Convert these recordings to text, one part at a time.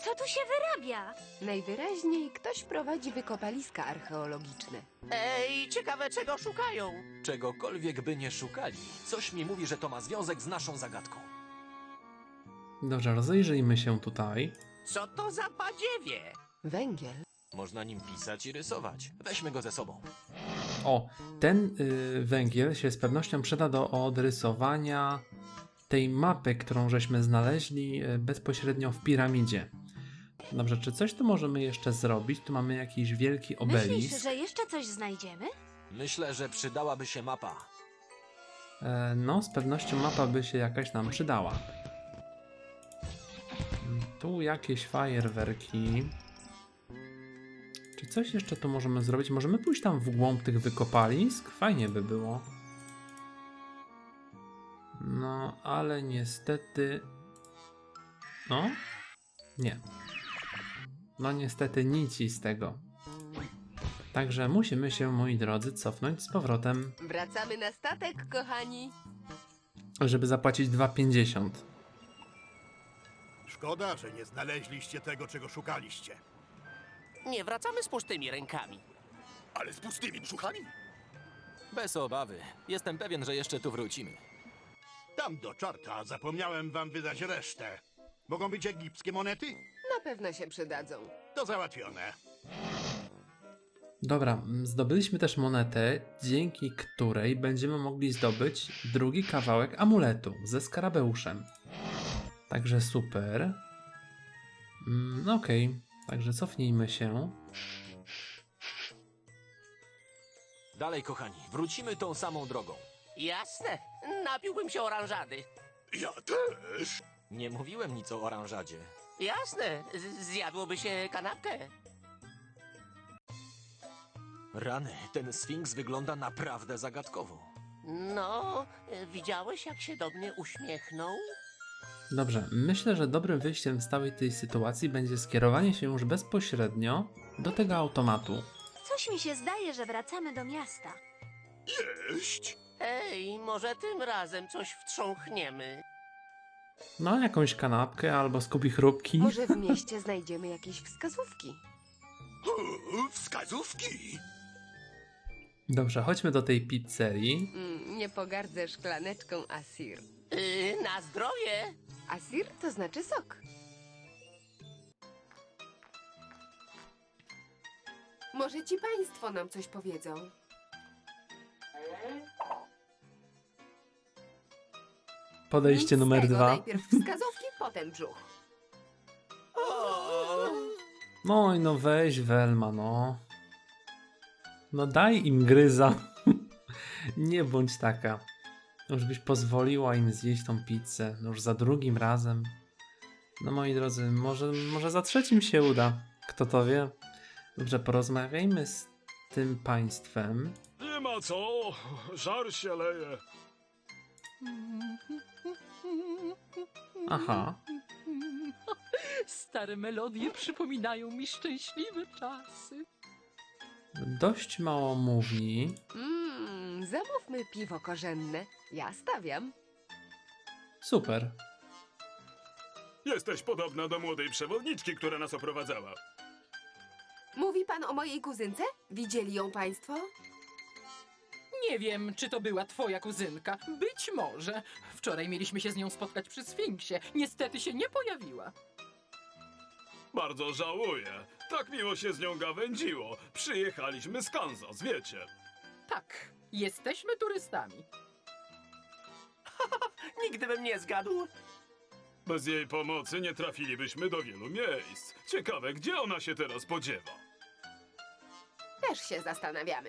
Co tu się wyrabia? Najwyraźniej ktoś prowadzi wykopaliska archeologiczne. Ej, ciekawe czego szukają. Czegokolwiek by nie szukali, coś mi mówi, że to ma związek z naszą zagadką. Dobrze, rozejrzyjmy się tutaj. Co to za badziewie? Węgiel? Można nim pisać i rysować. Weźmy go ze sobą. O, ten węgiel się z pewnością przyda do odrysowania tej mapy, którą żeśmy znaleźli bezpośrednio w piramidzie. Dobrze, czy coś tu możemy jeszcze zrobić? Tu mamy jakiś wielki obelisk. Myślisz, że jeszcze coś znajdziemy? Myślę, że przydałaby się mapa. No, z pewnością mapa by się jakaś nam przydała. Tu jakieś fajerwerki. Czy coś jeszcze tu możemy zrobić? Możemy pójść tam w głąb tych wykopalisk? Fajnie by było. No, ale niestety... No? Nie. No niestety nic z tego. Także musimy się, moi drodzy, cofnąć z powrotem, Wracamy na statek, kochani. żeby zapłacić 2,50. Szkoda, że nie znaleźliście tego, czego szukaliście. Nie wracamy z pustymi rękami. Ale z pustymi brzuchami? Bez obawy. Jestem pewien, że jeszcze tu wrócimy. Tam do czarta zapomniałem wam wydać resztę. Mogą być egipskie monety? Na pewno się przydadzą. To załatwione. Dobra, zdobyliśmy też monetę, dzięki której będziemy mogli zdobyć drugi kawałek amuletu ze skarabeuszem. Także super. No okej, także cofnijmy się. Dalej, kochani, wrócimy tą samą drogą. Jasne, napiłbym się oranżady. Ja też. Nie mówiłem nic o oranżadzie. Jasne, zjadłoby się kanapkę. Rany, ten sfinks wygląda naprawdę zagadkowo. No, widziałeś jak się do mnie uśmiechnął? Dobrze, myślę, że dobrym wyjściem z całej tej sytuacji będzie skierowanie się już bezpośrednio do tego automatu. Coś mi się zdaje, że wracamy do miasta. Jeść. Ej, może tym razem coś wtrząchniemy. No, jakąś kanapkę albo skupi chrupki. Może w mieście znajdziemy jakieś wskazówki. Wskazówki. Dobrze, chodźmy do tej pizzerii. Nie pogardzę szklaneczką Asir. Na zdrowie! Asir to znaczy sok. Może ci państwo nam coś powiedzą. Podejście Nic z numer tego, 2. Najpierw wskazówki, potem brzuch. No i no weź Welma, no. No daj im gryza. Nie bądź taka. Już byś pozwoliła im zjeść tą pizzę. No już za drugim razem. No moi drodzy, może za trzecim się uda. Kto to wie? Dobrze, porozmawiajmy z tym państwem. Nie ma co, żar się leje. Aha. Stare melodie przypominają mi szczęśliwe czasy. Dość mało mówi. Zamówmy piwo korzenne. Ja stawiam. Super. Jesteś podobna do młodej przewodniczki, która nas oprowadzała. Mówi pan o mojej kuzynce? Widzieli ją państwo? Nie wiem, czy to była twoja kuzynka. Być może. Wczoraj mieliśmy się z nią spotkać przy Sfinksie. Niestety się nie pojawiła. Bardzo żałuję. Tak miło się z nią gawędziło. Przyjechaliśmy z Kansas, wiecie. Tak, jesteśmy turystami. Nigdy bym nie zgadł. Bez jej pomocy nie trafilibyśmy do wielu miejsc. Ciekawe, gdzie ona się teraz podziewa. Też się zastanawiamy.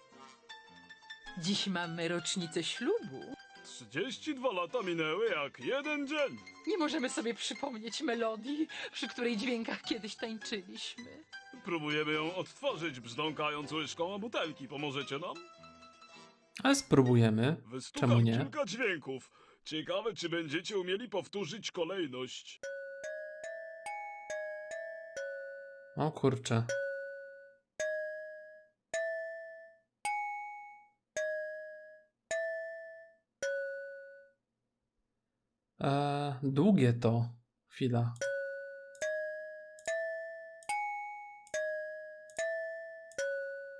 Dziś mamy rocznicę ślubu. 32 lata minęły jak jeden dzień. Nie możemy sobie przypomnieć melodii, przy której dźwiękach kiedyś tańczyliśmy. Próbujemy ją odtworzyć, brzdąkając łyżką o butelki. Pomożecie nam? Ale spróbujemy. Wystukam Czemu nie? kilka dźwięków. Ciekawe, czy będziecie umieli powtórzyć kolejność. O kurczę. Długie to. Chwila.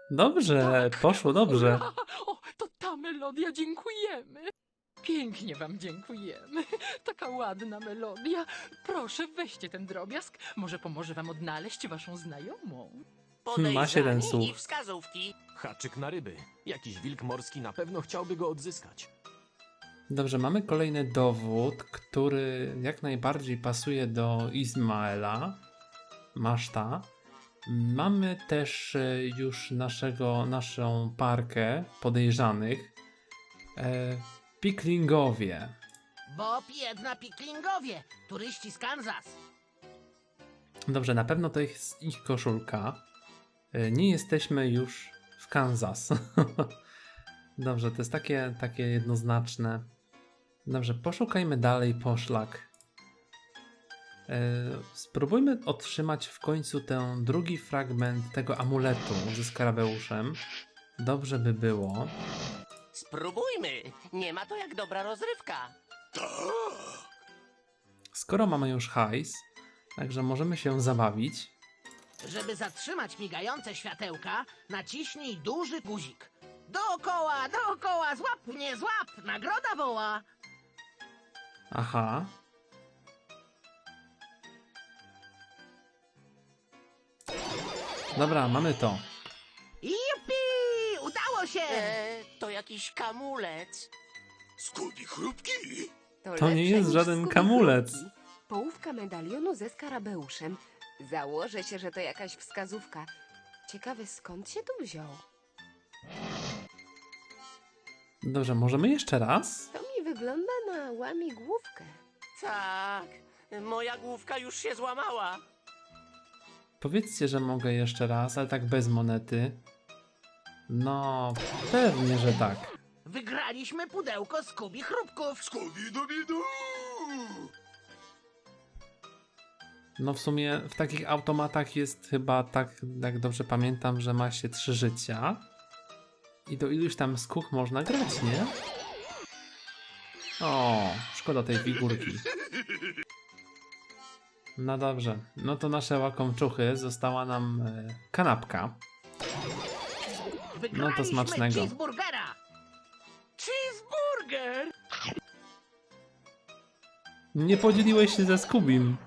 Dobrze, poszło dobrze. O, to ta melodia, dziękujemy. Pięknie wam dziękujemy. Taka ładna melodia. Proszę, weźcie ten drobiazg. Może pomoże wam odnaleźć waszą znajomą. Ma 7 Podejrzani słów. i wskazówki. Haczyk na ryby. Jakiś wilk morski na pewno chciałby go odzyskać. Dobrze, mamy kolejny dowód, który jak najbardziej pasuje do Izmaela. Maszta. Mamy też już naszą parkę podejrzanych. Piklingowie. Bob i Edna Piklingowie, turyści z Kansas. Dobrze, na pewno to jest ich koszulka. Nie jesteśmy już w Kansas. Dobrze, to jest takie jednoznaczne. Dobrze, poszukajmy dalej poszlak. Spróbujmy otrzymać w końcu ten drugi fragment tego amuletu ze skarabeuszem. Dobrze by było. Spróbujmy. Nie ma to jak dobra rozrywka. Skoro mamy już hajs, także możemy się zabawić. Żeby zatrzymać migające światełka, naciśnij duży guzik. Dookoła, dookoła, złap mnie, złap! Nagroda woła! Aha. Dobra, mamy to. Jupi! Udało się! To jakiś kamulec. Skubi chrupki? To lepsze nie jest niż żaden Scooby kamulec. Chrupki. Połówka medalionu ze skarabeuszem. Założę się, że to jakaś wskazówka. Ciekawe, skąd się tu wziął? Dobrze, możemy jeszcze raz? To mi wygląda na łamigłówkę. Tak. Moja główka już się złamała. Powiedzcie, że mogę jeszcze raz, ale tak bez monety. No, pewnie, że tak. Wygraliśmy pudełko Skubi chrupków. Skubi-dubi-du! No w sumie w takich automatach jest chyba tak, jak dobrze pamiętam, że ma się 3 życia. I do iluś tam skóch można grać, nie? O, szkoda tej figurki. No dobrze, no to nasze łakomczuchy, została nam kanapka. Wygraliśmy No to smacznego. cheeseburgera. Cheeseburger! Nie podzieliłeś się ze Skubim.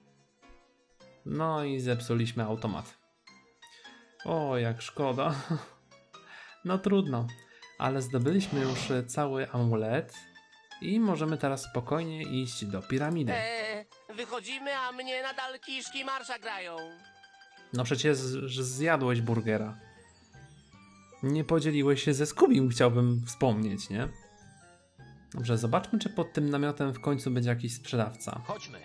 No i zepsuliśmy automat. O, jak szkoda. No trudno, ale zdobyliśmy już cały amulet i możemy teraz spokojnie iść do piramidy. Wychodzimy, a mnie nadal kiszki marsza grają. No przecież że zjadłeś burgera. Nie podzieliłeś się ze Skubim, chciałbym wspomnieć, nie? Dobrze, zobaczmy, czy pod tym namiotem w końcu będzie jakiś sprzedawca. Chodźmy.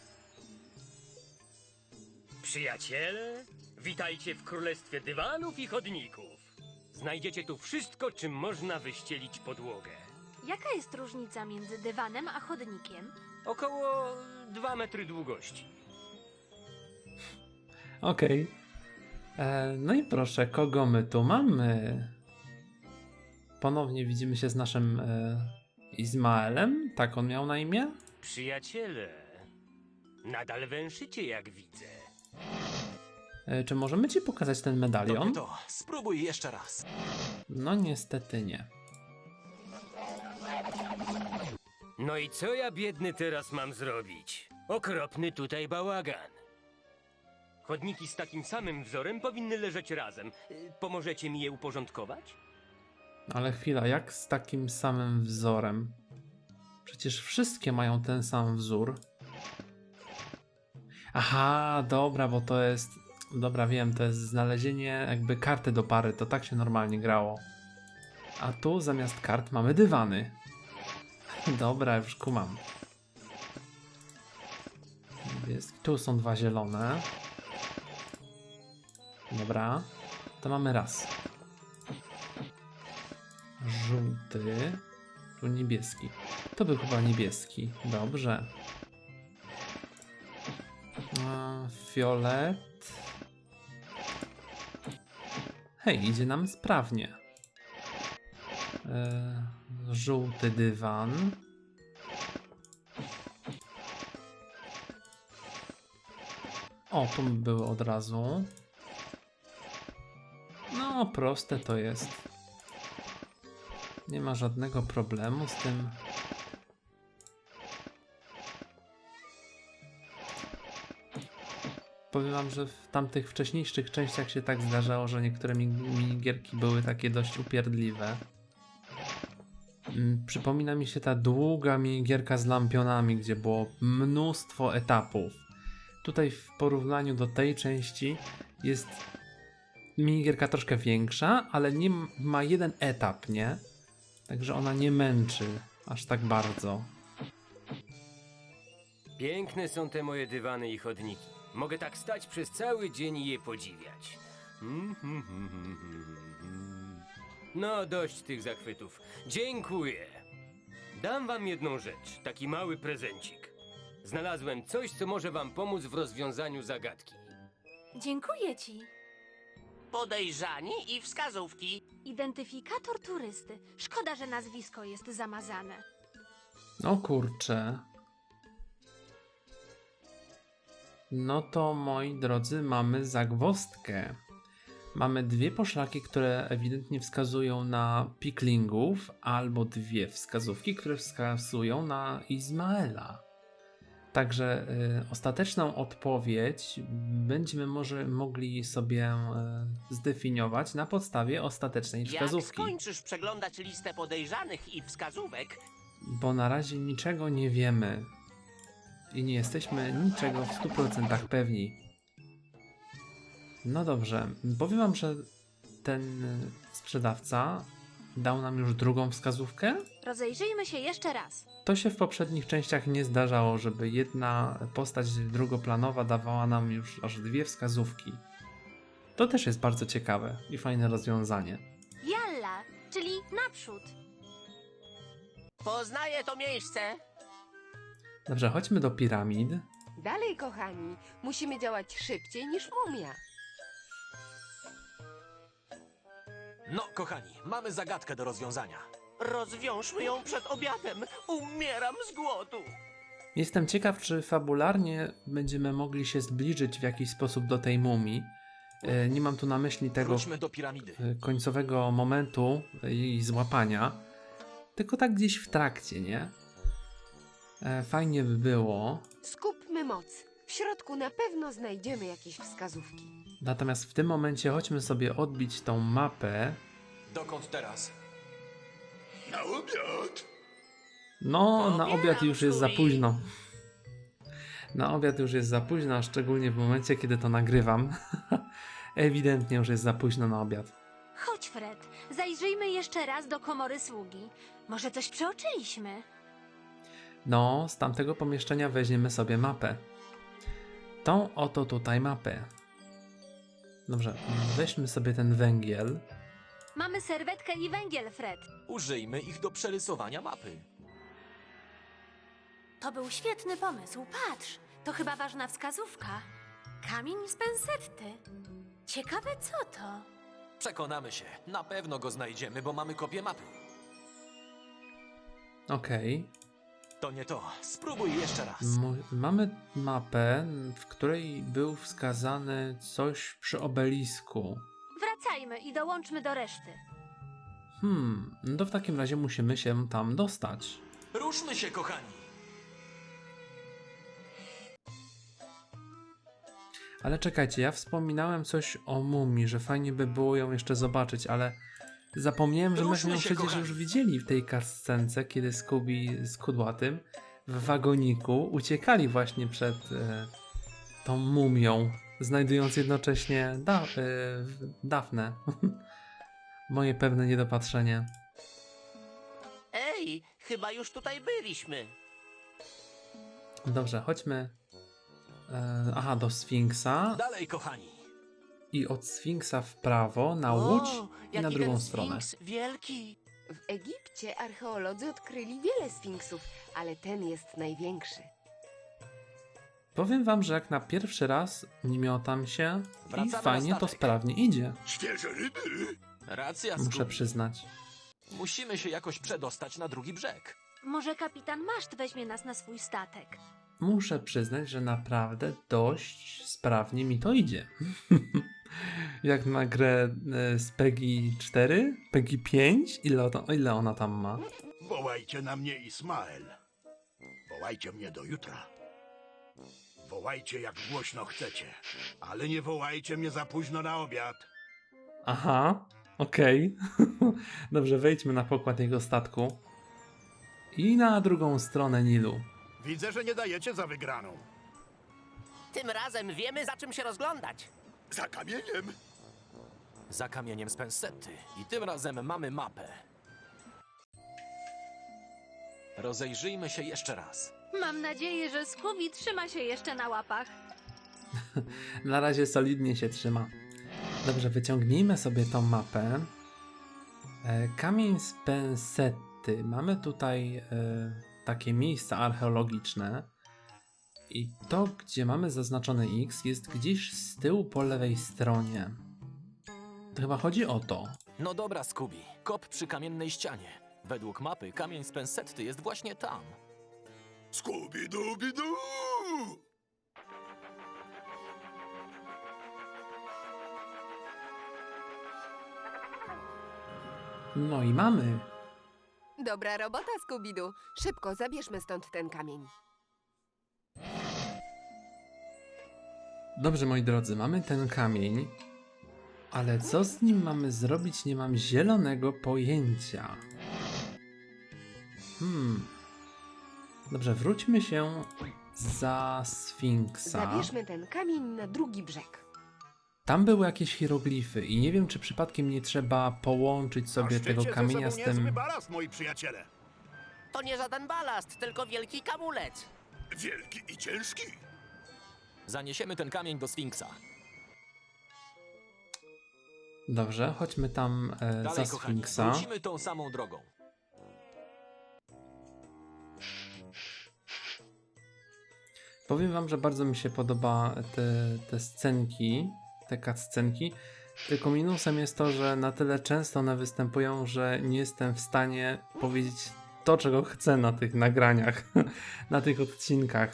Przyjaciele, witajcie w królestwie dywanów i chodników. Znajdziecie tu wszystko, czym można wyścielić podłogę. Jaka jest różnica między dywanem a chodnikiem? Około 2 metry długości. Okej. No i proszę, kogo my tu mamy? Ponownie widzimy się z naszym Izmaelem. Tak on miał na imię? Przyjaciele, nadal węszycie, jak widzę. Czy możemy ci pokazać ten medalion? Dobre to. Spróbuj jeszcze raz. No niestety nie. No i co ja biedny teraz mam zrobić? Okropny tutaj bałagan. Chodniki z takim samym wzorem powinny leżeć razem. Pomożecie mi je uporządkować? Ale chwila, jak z takim samym wzorem? Przecież wszystkie mają ten sam wzór. Aha, dobra, bo to jest... Dobra, wiem, to jest znalezienie jakby karty do pary, to tak się normalnie grało. A tu zamiast kart mamy dywany. Dobra, już kumam. Tu są 2 zielone. Dobra, to mamy raz. Żółty. Tu niebieski. To był chyba niebieski. Dobrze. Fiolet. Hej, idzie nam sprawnie. Żółty dywan. O, tu były od razu. No, proste to jest. Nie ma żadnego problemu z tym. Powiem wam, że w tamtych wcześniejszych częściach się tak zdarzało, że niektóre minigierki były takie dość upierdliwe. Przypomina mi się ta długa minigierka z lampionami, gdzie było mnóstwo etapów. Tutaj w porównaniu do tej części jest minigierka troszkę większa, ale nie ma jeden etap, nie? Także ona nie męczy aż tak bardzo. Piękne są te moje dywany i chodniki. Mogę tak stać przez cały dzień i je podziwiać. No, dość tych zachwytów. Dziękuję. Dam wam jedną rzecz, taki mały prezencik. Znalazłem coś, co może wam pomóc w rozwiązaniu zagadki. Dziękuję ci. Podejrzani i wskazówki. Identyfikator turysty. Szkoda, że nazwisko jest zamazane. O kurczę. No to moi drodzy, mamy zagwozdkę. Mamy dwie poszlaki, które ewidentnie wskazują na piklingów, albo dwie wskazówki, które wskazują na Izmaela. Także ostateczną odpowiedź będziemy może mogli sobie zdefiniować na podstawie ostatecznej Jak wskazówki. skończysz przeglądać listę podejrzanych i wskazówek, Bo na razie niczego nie wiemy. I nie jesteśmy niczego w 100% pewni. No dobrze, powiem wam, że ten sprzedawca dał nam już drugą wskazówkę. Rozejrzyjmy się jeszcze raz. To się w poprzednich częściach nie zdarzało, żeby jedna postać drugoplanowa dawała nam już aż dwie wskazówki. To też jest bardzo ciekawe i fajne rozwiązanie. Jalla, czyli naprzód. poznaję to miejsce. Dobrze, chodźmy do piramid. Dalej, kochani, musimy działać szybciej niż mumia. No, kochani, mamy zagadkę do rozwiązania. Rozwiążmy ją przed obiadem. Umieram z głodu. Jestem ciekaw, czy fabularnie będziemy mogli się zbliżyć w jakiś sposób do tej mumii. Nie mam tu na myśli tego Wróćmy do piramidy. końcowego momentu jej złapania, tylko tak gdzieś w trakcie, nie? Fajnie by było. Skupmy moc. W środku na pewno znajdziemy jakieś wskazówki. Natomiast w tym momencie chodźmy sobie odbić tą mapę. Dokąd teraz? Na obiad! No, na Pobieram, obiad już jest za Scooby. późno. Na obiad już jest za późno, a szczególnie w momencie, kiedy to nagrywam. Ewidentnie już jest za późno na obiad. Chodź, Fred. Zajrzyjmy jeszcze raz do komory sługi. Może coś przeoczyliśmy. No, z tamtego pomieszczenia weźmiemy sobie mapę. Tą oto tutaj mapę. Dobrze, weźmy sobie ten węgiel. Mamy serwetkę i węgiel, Fred. Użyjmy ich do przerysowania mapy. To był świetny pomysł. Patrz, to chyba ważna wskazówka. Kamień z pensetty. Ciekawe co to? Przekonamy się. Na pewno go znajdziemy, bo mamy kopię mapy. Okej. To nie to. Spróbuj jeszcze raz. Mamy mapę, w której był wskazany coś przy obelisku. Wracajmy i dołączmy do reszty. No to w takim razie musimy się tam dostać. Ruszmy się, kochani. Ale czekajcie, ja wspominałem coś o mumii, że fajnie by było ją jeszcze zobaczyć, ale zapomniałem, że myśmy Ruszmy ją się, przecież kochani. już widzieli w tej cutscence, kiedy Scooby z Kudłatym w wagoniku uciekali właśnie przed tą mumią, znajdując jednocześnie Dafnę. Moje pewne niedopatrzenie. Ej, chyba już tutaj byliśmy. Dobrze, chodźmy do Sfinksa Dalej, kochani. i od Sfinksa w prawo na łódź i na jaki drugą ten stronę. Sfinks wielki. W Egipcie archeolodzy odkryli wiele sfinksów, ale ten jest największy. Powiem wam, że jak na pierwszy raz nie miotam się Wracamy i na fajnie to statek. sprawnie idzie, Świeże ryby! Racja, muszę Scooby. przyznać. Musimy się jakoś przedostać na drugi brzeg. Może kapitan Maszt weźmie nas na swój statek. Muszę przyznać, że naprawdę dość sprawnie mi to idzie. Jak na grę z PEGI 4? PEGI 5? Ile ona tam ma? Wołajcie na mnie Ismael. Wołajcie mnie do jutra. Wołajcie jak głośno chcecie, ale nie wołajcie mnie za późno na obiad. Aha, okej. Dobrze, wejdźmy na pokład jego statku. I na drugą stronę Nilu. Widzę, że nie dajecie za wygraną. Tym razem wiemy, za czym się rozglądać. Za kamieniem. Za kamieniem z Pensety. I tym razem mamy mapę. Rozejrzyjmy się jeszcze raz. Mam nadzieję, że Scooby trzyma się jeszcze na łapach. Na razie solidnie się trzyma. Dobrze, wyciągnijmy sobie tą mapę. Kamień z Pensety. Mamy tutaj takie miejsca archeologiczne. I to, gdzie mamy zaznaczony X, jest gdzieś z tyłu po lewej stronie. To chyba chodzi o to. No dobra, Scooby. Kop przy kamiennej ścianie. Według mapy kamień z Pensety jest właśnie tam. Scooby-Dooby-Doo! No i mamy. Dobra robota, Scooby-Doo. Szybko, zabierzmy stąd ten kamień. Dobrze, moi drodzy, mamy ten kamień. Ale co z nim mamy zrobić, nie mam zielonego pojęcia. Dobrze, wróćmy się za Sfinksa. Zabierzmy ten kamień na drugi brzeg. Tam były jakieś hieroglify i nie wiem, czy przypadkiem nie trzeba połączyć sobie Maszczycie tego ze kamienia sobą z tym... niezły balast, moi przyjaciele. To nie żaden balast, tylko wielki kamulec. Wielki i ciężki. Zaniesiemy ten kamień do Sfinksa. Dobrze, chodźmy tam za Dalej, kochani, Sfinksa. wrócimy tą samą drogą. Powiem wam, że bardzo mi się podoba te scenki, te cutscenki. Tylko minusem jest to, że na tyle często one występują, że nie jestem w stanie powiedzieć to, czego chcę na tych nagraniach, na tych odcinkach.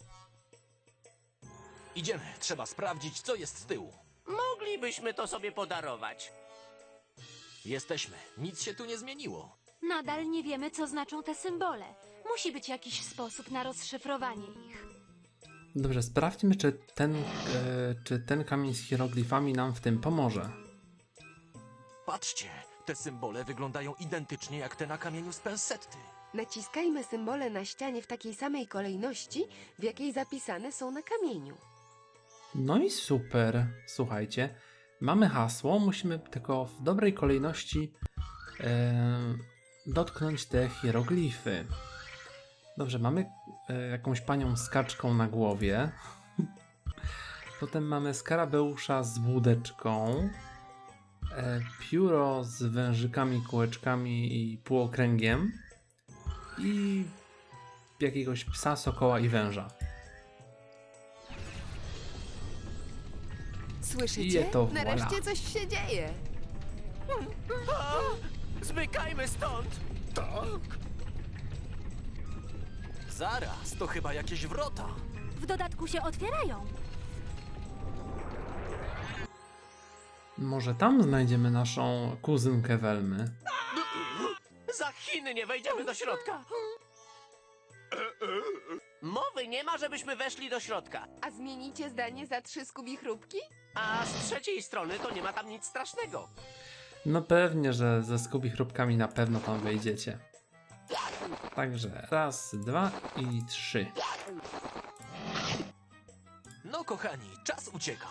Idziemy, trzeba sprawdzić, co jest z tyłu. Moglibyśmy to sobie podarować. Jesteśmy, nic się tu nie zmieniło. Nadal nie wiemy, co znaczą te symbole. Musi być jakiś sposób na rozszyfrowanie ich. Dobrze, sprawdźmy, czy ten kamień z hieroglifami nam w tym pomoże. Patrzcie, te symbole wyglądają identycznie jak te na kamieniu z Pensety. Naciskajmy symbole na ścianie w takiej samej kolejności, w jakiej zapisane są na kamieniu. No i super, słuchajcie. Mamy hasło, musimy tylko w dobrej kolejności dotknąć te hieroglify. Dobrze, mamy jakąś panią z kaczką na głowie. Potem mamy skarabeusza z łódeczką. Pióro z wężykami, kółeczkami i półokręgiem. I jakiegoś psa, sokoła i węża. Słyszycie? I to voilà. Nareszcie coś się dzieje. Zmykajmy stąd! Zaraz, to chyba jakieś wrota. W dodatku się otwierają. Może tam znajdziemy naszą kuzynkę Welmy. Za Chiny nie wejdziemy do środka. Mowy nie ma, żebyśmy weszli do środka. A zmienicie zdanie za 3 Scooby-chrupki? A z trzeciej strony to nie ma tam nic strasznego. No pewnie, że ze Scooby-chrupkami na pewno tam wejdziecie. Także raz, 2 i 3. No kochani, czas ucieka.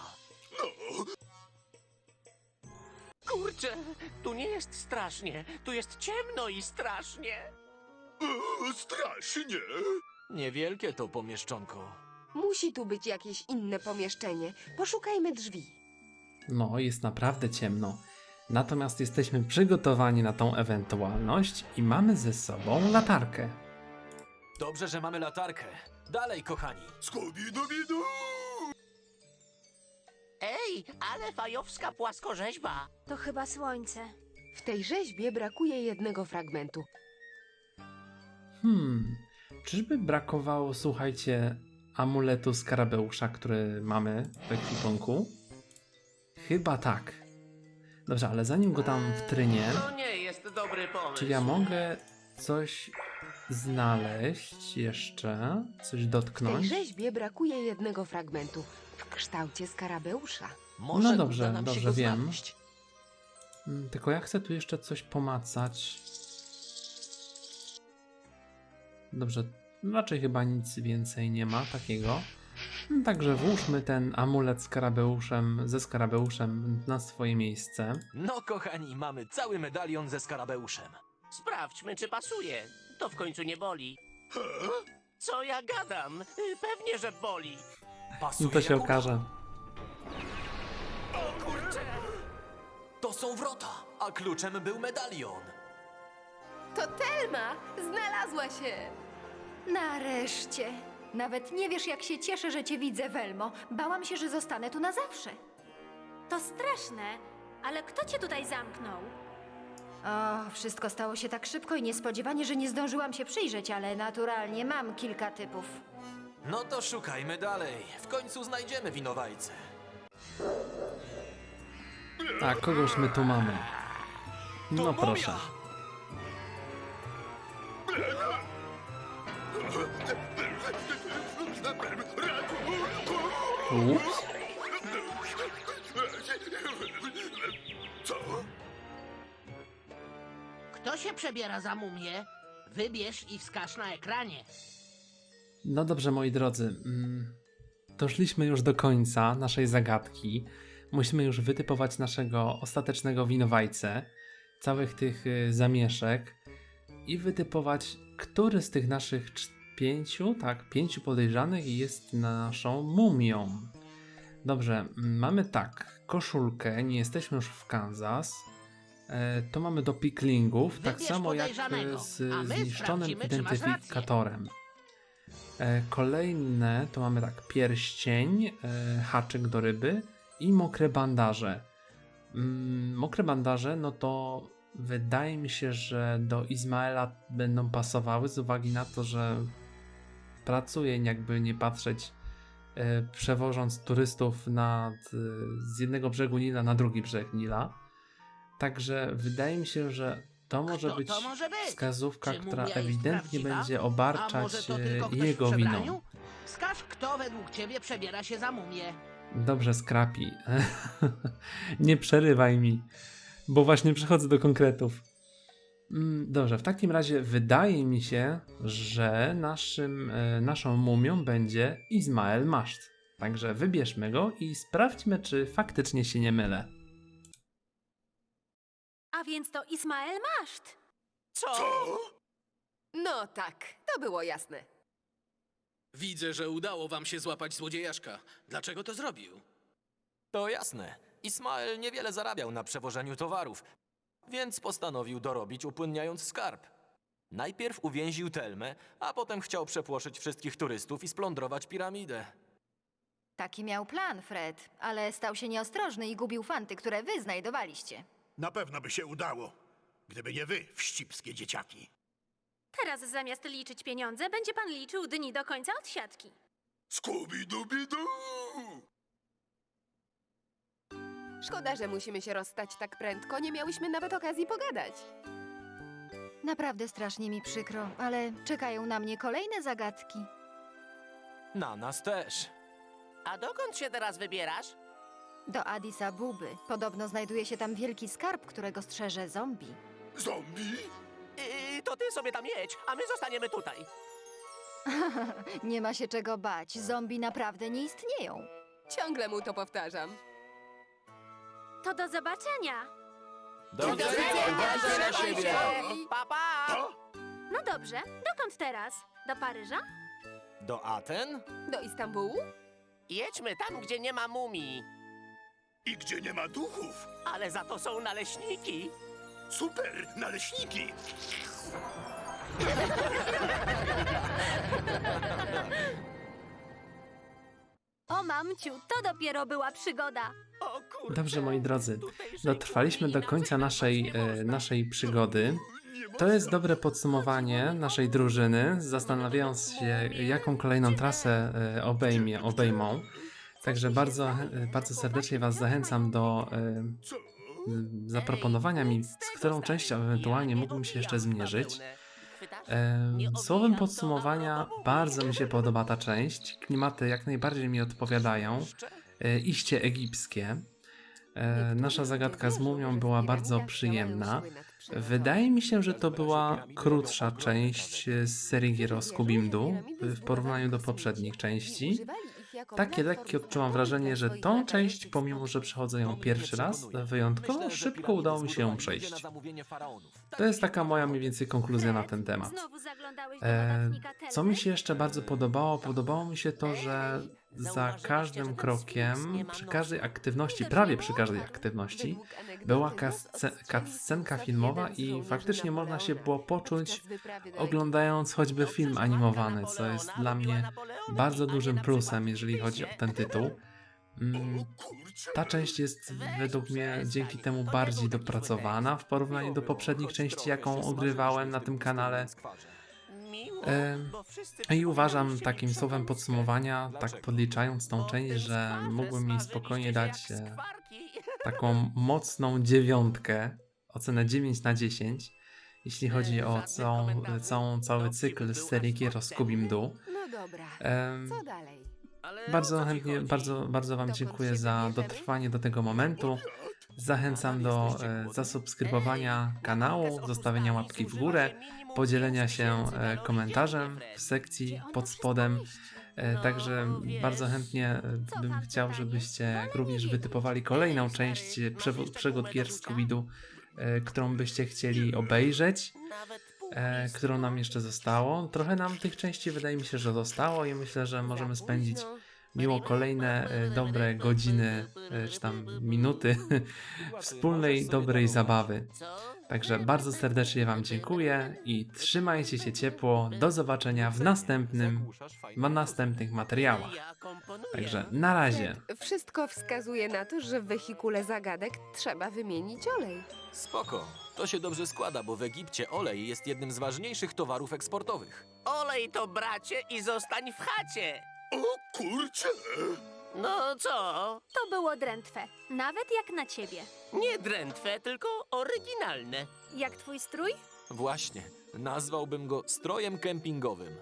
Kurczę, tu nie jest strasznie. Tu jest ciemno i strasznie. Strasznie. Niewielkie to pomieszczonko. Musi tu być jakieś inne pomieszczenie. Poszukajmy drzwi. No, jest naprawdę ciemno. Natomiast jesteśmy przygotowani na tą ewentualność i mamy ze sobą latarkę. Dobrze, że mamy latarkę. Dalej, kochani. Scooby-Dooby-Doo! Ej, ale fajowska płaskorzeźba. To chyba słońce. W tej rzeźbie brakuje jednego fragmentu. Czyżby brakowało, słuchajcie, amuletu skarabeusza, który mamy w ekwipunku? Chyba tak. Dobrze, ale zanim go tam wtrynię, To nie jest dobry pomysł. czy ja mogę coś znaleźć jeszcze? Coś W tej dotknąć? rzeźbie brakuje jednego fragmentu w kształcie skarabeusza. Może No dobrze, uda nam się dobrze, go wiem. znaleźć. Tylko ja chcę tu jeszcze coś pomacać. Dobrze, raczej chyba nic więcej nie ma takiego. Także włóżmy ten amulet ze skarabeuszem na swoje miejsce. No kochani, mamy cały medalion ze skarabeuszem. Sprawdźmy, czy pasuje. To w końcu nie boli. Co ja gadam? Pewnie, że boli. No Pasuje to się jak okaże. O kurczę! To są wrota, a kluczem był medalion. To Telma! Znalazła się! Nareszcie. Nawet nie wiesz, jak się cieszę, że cię widzę, Welmo. Bałam się, że zostanę tu na zawsze. To straszne, ale kto cię tutaj zamknął? O, wszystko stało się tak szybko i niespodziewanie, że nie zdążyłam się przyjrzeć, ale naturalnie mam kilka typów. No to szukajmy dalej. W końcu znajdziemy winowajcę. A kogoż my tu mamy? No proszę. Ups. Kto się przebiera za mumię? Wybierz i wskaż na ekranie. No dobrze, moi drodzy. Doszliśmy już do końca naszej zagadki. Musimy już wytypować naszego ostatecznego winowajcę, całych tych zamieszek i wytypować, który z tych naszych pięciu podejrzanych jest naszą mumią. Dobrze, mamy tak, koszulkę, nie jesteśmy już w Kansas. To mamy do piklingów, tak Wybierz samo jak podejrzanego, z a my zniszczonym sprawdzimy, czy masz identyfikatorem. Kolejne to mamy tak, pierścień, haczyk do ryby i mokre bandaże. Mokre bandaże, no to wydaje mi się, że do Izmaela będą pasowały z uwagi na to, że pracuje, jakby nie patrzeć, przewożąc turystów z jednego brzegu Nila na drugi brzeg Nila. Także wydaje mi się, że to może Kto być to może być? wskazówka, Czy która mumia jest ewidentnie prawdziwa? będzie A obarczać może to tylko ktoś w jego przebraniu? winą. Wskaż, kto według ciebie przebiera się za mumię. Dobrze, Scrappy. Nie przerywaj mi, bo właśnie przechodzę do konkretów. Dobrze, w takim razie wydaje mi się, że naszą mumią będzie Izmael Maszt. Także wybierzmy go i sprawdźmy, czy faktycznie się nie mylę. A więc to Ismael Maszt. Co? No tak, to było jasne. Widzę, że udało wam się złapać złodziejaszka. Dlaczego to zrobił? To jasne. Ismael niewiele zarabiał na przewożeniu towarów, więc postanowił dorobić, upłynniając skarb. Najpierw uwięził Telmę, a potem chciał przepłoszyć wszystkich turystów i splądrować piramidę. Taki miał plan, Fred, ale stał się nieostrożny i gubił fanty, które wy znajdowaliście. Na pewno by się udało, gdyby nie wy, wścibskie dzieciaki. Teraz zamiast liczyć pieniądze, będzie pan liczył dni do końca odsiadki. Skubi-dubi-du! Szkoda, że musimy się rozstać tak prędko, nie miałyśmy nawet okazji pogadać. Naprawdę strasznie mi przykro, ale czekają na mnie kolejne zagadki. Na nas też. A dokąd się teraz wybierasz? Do Addis Abuby. Podobno znajduje się tam wielki skarb, którego strzeże zombie. Zombie? To ty sobie tam jedź, a my zostaniemy tutaj. Nie ma się czego bać, zombie naprawdę nie istnieją. Ciągle mu to powtarzam. To do zobaczenia. Do widzenia! Uważaj na siebie! Pa, pa! No dobrze, dokąd teraz? Do Paryża? Do Aten? Do Istambułu? Jedźmy tam, gdzie nie ma mumii. I gdzie nie ma duchów? Ale za to są naleśniki. Super, naleśniki! O mamciu, to dopiero była przygoda. O kurczę. Dobrze, moi drodzy, Tutejszej dotrwaliśmy do kuchni końca inaczej patrzeć nie można. naszej przygody. To jest dobre podsumowanie naszej drużyny, zastanawiając się, jaką kolejną trasę obejmą. Także bardzo, bardzo serdecznie Was zachęcam do zaproponowania mi, z którą częścią ewentualnie mógłbym się jeszcze zmierzyć. Słowem podsumowania, bardzo mi się podoba ta część. Klimaty jak najbardziej mi odpowiadają. Iście egipskie. Nasza zagadka z mumią była bardzo przyjemna. Wydaje mi się, że to była krótsza część z serii gier o Scooby-Doo w porównaniu do poprzednich części. Takie lekkie odczułam wrażenie, że tą część, pomimo że przechodzę ją pierwszy raz, wyjątkowo szybko udało mi się ją przejść. To jest taka moja mniej więcej konkluzja na ten temat. Co mi się jeszcze bardzo podobało? Podobało mi się to, że za każdym krokiem, przy każdej aktywności, prawie przy każdej aktywności, była cutscenka filmowa i faktycznie można się było poczuć, oglądając choćby film animowany, co jest dla mnie bardzo dużym plusem, jeżeli chodzi o ten tytuł. Ta część jest według mnie dzięki temu bardziej dopracowana w porównaniu do poprzednich części, jaką ogrywałem na tym kanale. I uważam takim słowem podsumowania, tak podliczając tą część, że mógłbym mi spokojnie dać taką mocną 9, ocenę 9 na 10, jeśli chodzi o cały cykl z serii gier o Scooby-Doo. No dobra, co dalej? Bardzo chętnie, bardzo Wam dziękuję za dotrwanie do tego momentu. Zachęcam do zasubskrybowania kanału, zostawienia łapki w górę, podzielenia się komentarzem w sekcji pod spodem. Także bardzo chętnie bym chciał, żebyście również wytypowali kolejną część przygód gier Scooby-Doo, którą byście chcieli obejrzeć, którą nam jeszcze zostało. Trochę nam tych części wydaje mi się, że zostało i myślę, że możemy spędzić miło kolejne dobre godziny, czy tam minuty wspólnej, dobrej zabawy. Także bardzo serdecznie Wam dziękuję i trzymajcie się ciepło. Do zobaczenia w następnych materiałach. Także na razie. Wszystko wskazuje na to, że w wehikule zagadek trzeba wymienić olej. Spoko. To się dobrze składa, bo w Egipcie olej jest jednym z ważniejszych towarów eksportowych. Olej to bracie i zostań w chacie. O kurczę! No co? To było drętwe, nawet jak na ciebie. Nie drętwe, tylko oryginalne. Jak twój strój? Właśnie. Nazwałbym go strojem kempingowym.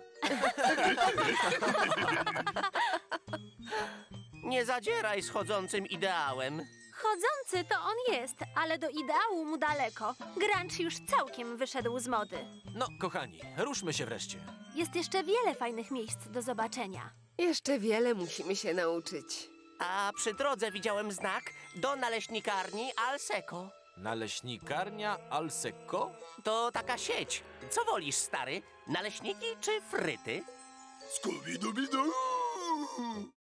Nie zadzieraj z chodzącym ideałem. Chodzący to on jest, ale do ideału mu daleko. Grunge już całkiem wyszedł z mody. No, kochani, ruszmy się wreszcie. Jest jeszcze wiele fajnych miejsc do zobaczenia. Jeszcze wiele musimy się nauczyć. A przy drodze widziałem znak do naleśnikarni Alseco. Naleśnikarnia Alseco? To taka sieć. Co wolisz, stary? Naleśniki czy fryty? Scooby-Dooby-Doo!